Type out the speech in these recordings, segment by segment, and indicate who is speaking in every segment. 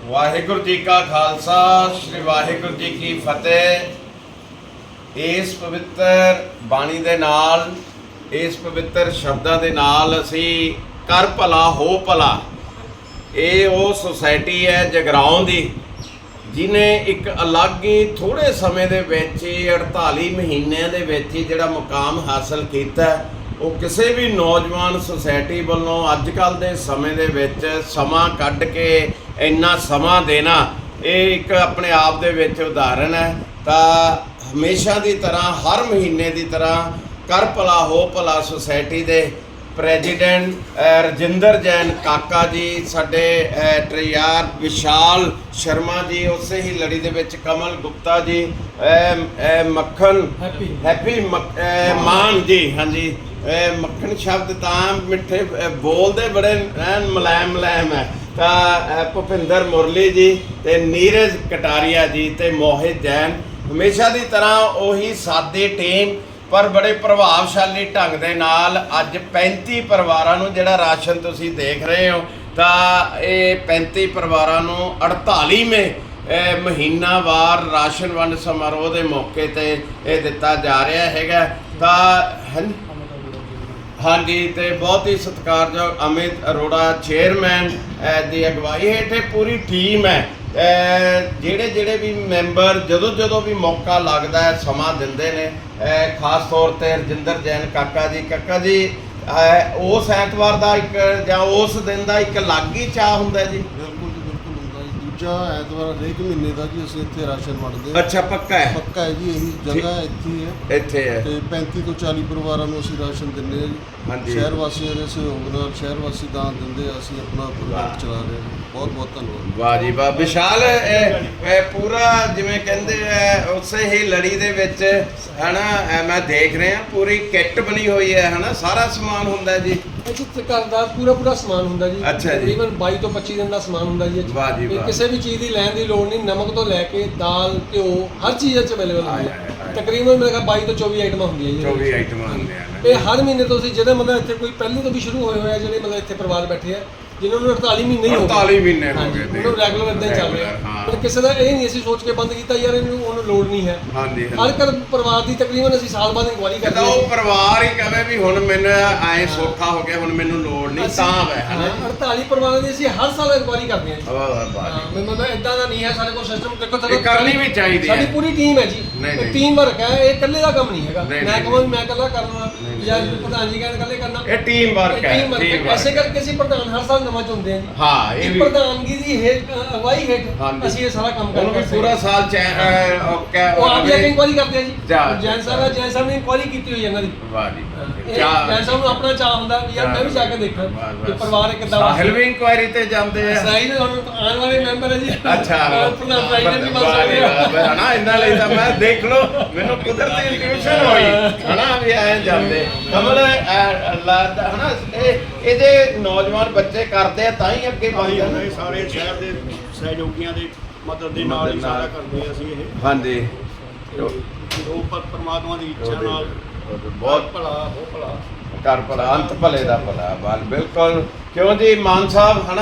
Speaker 1: ਵਾਹਿਗੁਰੂ ਜੀ ਕਾ ਖਾਲਸਾ ਸ੍ਰੀ ਵਾਹਿਗੁਰੂ ਜੀ ਕੀ ਫਤਿਹ। ਇਸ ਪਵਿੱਤਰ ਬਾਣੀ ਦੇ ਨਾਲ, ਇਸ ਪਵਿੱਤਰ ਸ਼ਬਦਾਂ ਦੇ ਨਾਲ ਅਸੀਂ ਕਰ ਭਲਾ ਹੋ ਭਲਾ, ਇਹ ਉਹ ਸੁਸਾਇਟੀ ਹੈ ਜਗਰਾਉਂ ਦੀ ਜਿਹਨੇ ਇੱਕ ਅਲੱਗ ਹੀ ਥੋੜ੍ਹੇ ਸਮੇਂ ਦੇ ਵਿੱਚ ਹੀ 48 ਮਹੀਨਿਆਂ ਦੇ ਵਿੱਚ ਹੀ ਜਿਹੜਾ ਮੁਕਾਮ ਹਾਸਲ ਕੀਤਾ। ਉਹ ਕਿਸੇ ਵੀ ਨੌਜਵਾਨ ਸੁਸਾਇਟੀ ਵੱਲੋਂ ਅੱਜ ਕੱਲ੍ਹ ਦੇ ਸਮੇਂ ਦੇ ਵਿੱਚ ਸਮਾਂ ਕੱਢ ਕੇ ਇੰਨਾ ਸਮਾਂ ਦੇਣਾ, ਇਹ ਇੱਕ ਆਪਣੇ ਆਪ ਦੇ ਵਿੱਚ ਉਦਾਹਰਨ ਹੈ। ਤਾਂ ਹਮੇਸ਼ਾ ਦੀ ਤਰ੍ਹਾਂ ਹਰ ਮਹੀਨੇ ਦੀ ਤਰ੍ਹਾਂ ਕਰ ਭਲਾ ਹੋ ਭਲਾ ਸੁਸਾਇਟੀ ਦੇ ਪ੍ਰੈਜ਼ੀਡੈਂਟ ਰਜਿੰਦਰ ਜੈਨ ਕਾਕਾ ਜੀ, ਸਾਡੇ ਟਰੈਯਾਰ ਵਿਸ਼ਾਲ ਸ਼ਰਮਾ ਜੀ, ਉਸੇ ਹੀ ਲੜੀ ਦੇ ਵਿੱਚ ਕਮਲ ਗੁਪਤਾ ਜੀ, ਮੱਖਣ ਹੈਪੀ ਮਾਨ ਜੀ, ਹਾਂਜੀ ਮੱਖਣ ਸ਼ਬਦ ਤਾਂ ਮਿੱਠੇ ਬੋਲਦੇ ਬੜੇ ਮੁਲਾਇਮ ਹੈ। ਤਾਂ ਭੁਪਿੰਦਰ ਮੁਰਲੀ ਜੀ ਤੇ ਨੀਰਜ ਕਟਾਰੀਆ ਜੀ ਤੇ ਮੋਹਿਤ ਜੈਨ, ਹਮੇਸ਼ਾ ਦੀ ਤਰ੍ਹਾਂ ਉਹੀ ਸਾਦੀ ਟੀਮ ਪਰ ਬੜੇ ਪ੍ਰਭਾਵਸ਼ਾਲੀ ਢੰਗ ਦੇ ਨਾਲ ਅੱਜ 35 ਪਰਿਵਾਰਾਂ ਨੂੰ ਜਿਹੜਾ ਰਾਸ਼ਨ ਤੁਸੀਂ ਦੇਖ ਰਹੇ ਹੋ, ਤਾਂ ਇਹ 35 ਪਰਿਵਾਰਾਂ ਨੂੰ 48ਵੇਂ ਮਹੀਨਾਵਾਰ ਰਾਸ਼ਨ ਵੰਡ ਸਮਾਰੋਹ ਦੇ ਮੌਕੇ ਤੇ ਇਹ ਦਿੱਤਾ ਜਾ ਰਿਹਾ ਹੈਗਾ। ਤਾਂ ਹਾਂਜੀ, ਤੇ ਬਹੁਤ ਹੀ ਸਤਿਕਾਰਯੋਗ ਅਮਿਤ ਅਰੋੜਾ ਚੇਅਰਮੈਨ ਦੀ ਅਗਵਾਈ ਹੇਠ ਇਹ ਪੂਰੀ ਟੀਮ ਹੈ। ਜਿਹੜੇ ਵੀ ਮੈਂਬਰ ਜਦੋਂ ਵੀ ਮੌਕਾ ਲੱਗਦਾ ਹੈ ਸਮਾਂ ਦਿੰਦੇ ਨੇ। ਖਾਸ ਤੌਰ ਤੇ ਰਜਿੰਦਰ ਜੈਨ ਕਾਕਾ ਜੀ ਉਸ ਐਤਵਾਰ ਦਾ ਇੱਕ ਜਾਂ ਉਸ ਦਿਨ ਦਾ ਇੱਕ ਅਲੱਗ ਹੀ ਚਾਅ ਹੁੰਦਾ ਜੀ।
Speaker 2: ਬਿਲਕੁਲ ਜੀ, ਬਿਲਕੁਲ ਹੁੰਦਾ ਜੀ। ਦੂਜਾ ਐਤਵਾਰ ਹਰੇਕ ਮਹੀਨੇ ਦਾ ਜੀ ਅਸੀਂ ਇੱਥੇ ਰਾਸ਼ਨ ਵੰਡਦੇ ਹਾਂ।
Speaker 1: ਅੱਛਾ, ਪੱਕਾ ਹੈ
Speaker 2: ਜੀ। ਇਹੀ ਜਗ੍ਹਾ
Speaker 1: ਇੱਥੇ ਹੈ
Speaker 2: ਤੇ 35 ਤੋਂ 40 ਪਰਿਵਾਰਾਂ ਨੂੰ ਅਸੀਂ ਰਾਸ਼ਨ ਦਿੰਦੇ ਹਾਂ ਜੀ।
Speaker 1: ਹਾਂਜੀ,
Speaker 2: ਸ਼ਹਿਰ ਵਾਸੀਆਂ ਦੇ ਸਹਿਯੋਗ ਨਾਲ ਸ਼ਹਿਰ ਵਾਸੀ ਦਾਨ ਦਿੰਦੇ, ਅਸੀਂ ਆਪਣਾ ਪ੍ਰੋਜੈਕਟ ਚਲਾ ਰਹੇ ਹਾਂ। ਬਹੁਤ ਬਹੁਤ ਧੰਨਵਾਦ।
Speaker 1: ਵਾਹ ਜੀ ਵਾਹ। ਵਿਸ਼ਾਲ ਪੂਰਾ ਜਿਵੇਂ ਕਹਿੰਦੇ ਉਸੇ ਹੀ ਲੜੀ ਦੇ ਵਿੱਚ ਹਨਾ, ਮੈਂ ਦੇਖ ਰਿਹਾ ਪੂਰੀ ਕਿੱਟ ਬਣੀ ਹੋਈ ਹੈ ਹਨਾ, ਸਾਰਾ ਸਮਾਨ ਹੁੰਦਾ ਜੀ
Speaker 3: ਘਰ ਦਾ ਪੂਰਾ ਸਮਾਨ ਹੁੰਦਾ ਜੀ।
Speaker 1: ਅੱਛਾ ਜੀ।
Speaker 3: ਤਕਰੀਬਨ 22 ਤੋਂ 25 ਦਿਨ ਦਾ ਸਮਾਨ ਹੁੰਦਾ ਜੀ।
Speaker 1: ਵਾਹ ਜੀ ਵਾਹ।
Speaker 3: ਕਿਸੇ ਵੀ ਚੀਜ਼ ਦੀ ਲੈਣ ਦੀ ਲੋੜ ਨਹੀਂ, ਨਮਕ ਤੋਂ ਲੈ ਕੇ ਦਾਲ ਘਿਓ ਹਰ ਚੀਜ਼ ਇੱਥੇ ਅਵੇਲੇਬਲ ਹੁੰਦੀ ਹੈ। ਤਕਰੀਬਨ ਮੇਰੇ ਕੋਲ 22 ਤੋਂ 24 ਆਈਟਮਾਂ ਹੁੰਦੀਆਂ ਜੀ।
Speaker 1: 24 ਆਈਟਮਾਂ ਹੁੰਦੀਆਂ
Speaker 3: ਇਹ ਹਰ ਮਹੀਨੇ ਤੋਂ ਅਸੀਂ ਜਿਹੜੇ ਮਤਲਬ ਇੱਥੇ ਕੋਈ ਪਹਿਲੇ ਤੋਂ ਵੀ ਸ਼ੁਰੂ ਹੋਏ ਹੋਏ ਆ, ਜਿਹੜੇ ਮਤਲਬ ਇੱਥੇ ਪਰਿਵਾਰ ਬੈਠੇ ਆ ਜਿਨ੍ਹਾਂ ਨੂੰ 48 ਮਹੀਨੇ ਹੀ ਹੋ ਗਏ।
Speaker 1: 48 ਮਹੀਨੇ ਹੋ ਗਏ
Speaker 3: ਉਹਨੂੰ ਰੈਗੂਲਰ ਇਦਾਂ ਹੀ ਚੱਲ ਰਿਹਾ। ਪਰ ਕਿਸੇ ਦਾ ਇਹ ਨਹੀਂ ਅਸੀਂ ਸੋਚ ਕੇ ਬੰਦ ਕੀਤਾ ਯਾਰ ਇਹਨੂੰ ਉਹਨੂੰ ਲੋੜ ਨਹੀਂ ਹੈ।
Speaker 1: ਹਾਂਜੀ,
Speaker 3: ਹਰ ਘਰ ਪਰਿਵਾਰ ਦੀ ਤਕਰੀਬਨ ਅਸੀਂ ਸਾਲ ਬਾਅਦ ਇਨਕੁਆਇਰੀ ਕਰਦੇ ਹਾਂ।
Speaker 1: ਉਹ ਪਰਿਵਾਰ ਹੀ ਕਹੇ ਵੀ ਹੁਣ ਮੈਨੂੰ ਐ ਸੌਖਾ ਹੋ ਗਿਆ, ਹੁਣ ਮੈਨੂੰ ਲੋੜ ਨਹੀਂ, ਤਾਂ ਹੈ ਹਨਾ।
Speaker 3: 48 ਪਰਿਵਾਰਾਂ ਦੀ ਅਸੀਂ ਹਰ ਸਾਲ ਇਨਕੁਆਇਰੀ ਕਰਦੇ ਹਾਂ ਜੀ।
Speaker 1: ਵਾਹ।
Speaker 3: ਮਤਲਬ ਇਦਾਂ ਦਾ ਨਹੀਂ ਹੈ ਸਾਡੇ ਕੋਲ ਸਿਸਟਮ।
Speaker 1: ਇਹ ਕਰਨੀ ਵੀ ਚਾਹੀਦੀ ਹੈ।
Speaker 3: ਸਾਡੀ ਪੂਰੀ ਟੀਮ ਹੈ ਜੀ, ਟੀਮ ਵਰਕ ਹੈ। ਇਹ ਇਕੱਲੇ ਦਾ ਕੰਮ ਨਹੀਂ ਹੈਗਾ। ਮੈਂ ਕਹਾਂ ਮੈਂ ਇਕੱਲਾ ਕਰਨਾ ਜਾਂ ਪ੍ਰਧਾਨ ਜੀ ਕਹਿੰਦੇ ਇਕੱਲੇ ਕਰਨਾ,
Speaker 1: ਇਹ ਟੀਮ ਵਰਕ ਹੈ।
Speaker 3: ਐਸੇ ਕਰਕੇ ਅਸੀਂ ਪ੍ਰਧਾਨ ਹਰ ਸਾਲ ਨਵਾਂ ਚੁਣਦੇ ਹਾਂ ਜੀ।
Speaker 1: ਹਾਂ, ਇਹ ਵੀ
Speaker 3: ਪ੍ਰਧਾਨਗੀ ਦੀ ਅਗਵਾਈ ਹੇਠ ਅਸੀਂ ਇਹ ਸਾਰਾ ਕੰਮ ਕਰਦੇ ਹਾਂ।
Speaker 1: ਪੂਰਾ ਸਾਲ
Speaker 3: ਉਹ ਆਪ ਇਨਕੁਆਇਰੀ ਕਰਦੇ ਆ ਜੀ। ਜੈਨ ਸਾਹਿਬ ਨੇ ਇਨਕੁਆਇਰੀ ਕੀਤੀ ਹੋਈ ਹੈ ਇਹਨਾਂ ਦੀ।
Speaker 1: ਵਾਹ ਜੀ।
Speaker 3: ਜੈਨ ਸਾਹਿਬ ਨੂੰ ਆਪਣਾ ਚਾਹ ਹੁੰਦਾ ਵੀ ਯਾਰ ਮੈਂ ਵੀ ਜਾ ਕੇ ਦੇਖਾਂ ਕਿ ਪਰਿਵਾਰ ਕਿੱਦਾਂ
Speaker 1: ਸਾਹਿਲ ਵੀ ਇਨਕੁਆਇਰੀ ਤੇ ਜਾਂਦੇ ਆ।
Speaker 3: ਸਾਹਿਲ ਹੁਣ ਆਉਣ ਵਾਲੇ ਮੈਂਬਰ ਹੈ ਜੀ।
Speaker 1: ਅੱਛਾ,
Speaker 3: ਪ੍ਰੈਜ਼ੀਡੈਂਟ ਵੀ ਬਣ ਸਕਦੇ ਆ
Speaker 1: ਹਨਾ। ਇਹਨਾਂ ਲਈ ਤਾਂ ਮੈਂ ਦੇਖ ਲਓ, ਮੈਨੂੰ ਕੁਦਰਤੀ ਇੰਟੂਇਸ਼ਨ ਹੋਈ ਹਨਾ ਵੀ ਐ ਜਾਂਦੇ ਕਮਲ ਹਨਾ। ਇਹਦੇ ਨੌਜਵਾਨ ਬੱਚੇ ਕਰਦੇ ਆ ਤਾਂ ਹੀ ਅੱਗੇ ਵਧਦੇ ਆ।
Speaker 4: ਸਾਰੇ ਸ਼ਹਿਰ ਦੇ ਸਹਿਯੋਗੀਆਂ ਦੇ ਮਦਦ ਦੇ ਨਾਲ ਹੀ ਸਾਰਾ ਕਰਦੇ ਆ ਅਸੀਂ ਇਹ।
Speaker 1: ਹਾਂਜੀ,
Speaker 4: ਉਹ ਪਰਮਾਤਮਾ ਦੀ ਇੱਛਾ ਨਾਲ
Speaker 1: ਬਹੁਤ
Speaker 4: ਭਲਾ ਹੋ ਭਲਾ
Speaker 1: ਕਰ ਭਲਾ ਅੰਤ ਭਲੇ ਦਾ ਭਲਾ। ਬਾਲ ਬਿਲਕੁਲ। ਕਿਉਂ ਜੀ ਮਾਨ ਸਾਹਿਬ ਹਨਾ,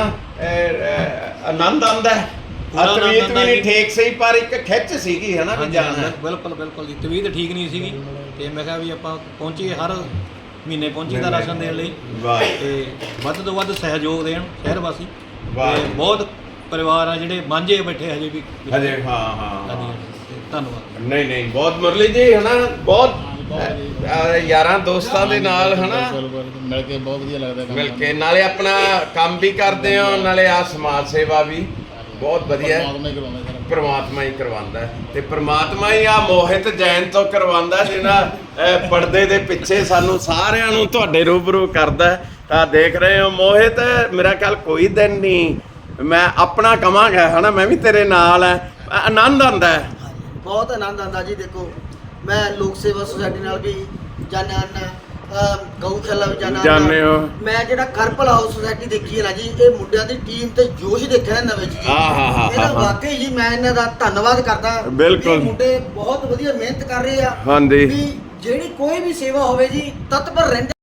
Speaker 1: ਆਨੰਦ ਆਉਂਦਾ ਹੈ। ਤਬੀਅਤ ਵੀ ਨਹੀਂ ਠੀਕ ਸੀ ਪਰ ਇੱਕ ਖਿੱਚ ਸੀਗੀ ਹਨਾ ਵੀ ਜਾਣਾ।
Speaker 5: ਬਿਲਕੁਲ ਜੀ, ਤਬੀਅਤ ਠੀਕ ਨਹੀਂ ਸੀਗੀ ਤੇ ਮੈਂ ਕਿਹਾ ਵੀ ਆਪਾਂ ਪਹੁੰਚੀਏ, ਹਰ ਮਹੀਨੇ ਪਹੁੰਚੀਦਾ ਰਾਸ਼ਨ ਦੇਣ ਲਈ। ਤੇ ਵੱਧ ਤੋਂ ਵੱਧ ਸਹਿਯੋਗ ਦੇਣ ਸ਼ਹਿਰ ਵਾਸੀ। ਤੇ ਬਹੁਤ ਪਰਿਵਾਰ ਆ ਜਿਹੜੇ ਮਾਂਝੇ ਬੈਠੇ ਹਜੇ ਵੀ।
Speaker 1: ਹਾਂ।
Speaker 5: ਧੰਨਵਾਦ।
Speaker 1: ਨਹੀਂ ਬਹੁਤ ਮੁਰਲੀ ਜੀ ਹਨਾ, ਬਹੁਤ ਯਾਰਾਂ ਦੋਸਤਾਂ ਦੇ ਨਾਲ ਹਨਾ
Speaker 4: ਮਿਲ ਕੇ ਬਹੁਤ ਵਧੀਆ ਲੱਗਦਾ।
Speaker 1: ਮਿਲ ਕੇ ਨਾਲੇ ਆਪਣਾ ਕੰਮ ਵੀ ਕਰਦੇ ਹੋ, ਨਾਲੇ ਆ ਸਮਾਜ ਸੇਵਾ ਵੀ ਬਹੁਤ ਵਧੀਆ। ਪ੍ਰਮਾਤਮਾ ਹੀ ਕਰਵਾਉਂਦਾ ਤੇ ਪ੍ਰਮਾਤਮਾ ਹੀ ਆ ਮੋਹਿਤ ਜੈਨ ਤੋਂ ਕਰਵਾਉਂਦਾ, ਜਿਹਨਾਂ ਪਰਦੇ ਦੇ ਪਿੱਛੇ ਸਾਨੂੰ ਸਾਰਿਆਂ ਨੂੰ ਤੁਹਾਡੇ ਰੂਬਰੂ ਕਰਦਾ। ਤਾਂ ਦੇਖ ਰਹੇ ਹੋ ਮੋਹਿਤ, ਮੇਰਾ ਖਿਆਲ ਕੋਈ ਦਿਨ ਨਹੀਂ ਮੈਂ ਆਪਣਾ ਕਵਾਂਗਾ ਹਨਾ, ਮੈਂ ਵੀ ਤੇਰੇ ਨਾਲ ਹੈ। ਆਨੰਦ ਆਉਂਦਾ ਹੈ,
Speaker 6: ਬਹੁਤ ਆਨੰਦ ਆਉਂਦਾ ਜੀ। ਦੇਖੋ ਮੈਂ ਲੋਕ ਸੇਵਾ ਸੁਸਾਇਟੀ ਨਾਲ ਵੀ ਜਾਣਿਆ, ਗਊਸ਼ਾਲਾ ਵੀ
Speaker 1: ਜਾਣਦੇ ਹੋ।
Speaker 6: ਮੈਂ ਜਿਹੜਾ ਕਰ ਭਲਾ ਹਾਊਸ ਸੁਸਾਇਟੀ ਦੇਖੀ ਹੈ ਨਾ ਜੀ, ਇਹ ਮੁੰਡਿਆਂ ਦੀ ਟੀਮ ਤੇ ਜੋਸ਼ ਦੇਖਿਆ ਨਵੇਂ ਜੀ। ਇਹਦਾ ਵਾਕਈ ਜੀ ਮੈਂ ਇਹਨਾਂ ਦਾ ਧੰਨਵਾਦ ਕਰਦਾ।
Speaker 1: ਬਿਲਕੁਲ,
Speaker 6: ਮੁੰਡੇ ਬਹੁਤ ਵਧੀਆ ਮਿਹਨਤ ਕਰ ਰਹੇ ਆ।
Speaker 1: ਹਾਂਜੀ।
Speaker 6: ਵੀ ਜਿਹੜੀ ਕੋਈ ਵੀ ਸੇਵਾ ਹੋਵੇ ਜੀ ਤਤਪਰ ਰਹਿੰਦੇ।